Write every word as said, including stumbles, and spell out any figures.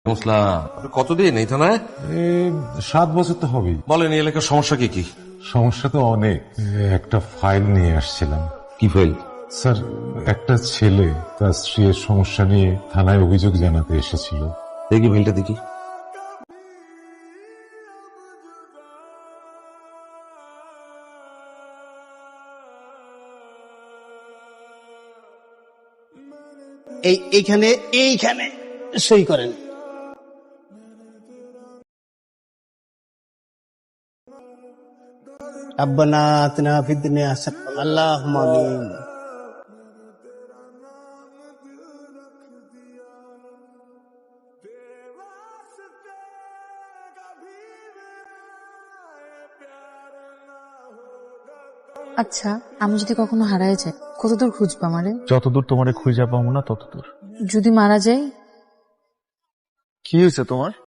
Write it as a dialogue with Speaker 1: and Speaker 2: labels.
Speaker 1: কতদিন এই থানায়?
Speaker 2: সাত বছর তো হবেই।
Speaker 1: বলেন এই এলাকার সমস্যা কি কি?
Speaker 2: সমস্যা তো অনেক। একটা ফাইল নিয়ে আসছিলাম।
Speaker 1: কি ফাইল?
Speaker 2: স্যার, একটা ছেলে তার স্ত্রীর সমস্যা নিয়ে থানায় অভিযোগ জানাতে এসেছিল।
Speaker 1: দেখি ফাইলটা দেখি।
Speaker 3: এই এইখানে এইখানে সই করেন। রব্বানা আতিনা ফিদ দুনিয়া হাসানাতান আল্লাহুম্মা আমিন।
Speaker 4: আচ্ছা, আমি যদি কখনো হারায় যাই কতদূর খুঁজবো আমারে?
Speaker 5: যতদূর তোমারে খুঁজে পাবো না ততদূর।
Speaker 4: যদি মারা যাই?
Speaker 5: কি হয়েছে তোমার?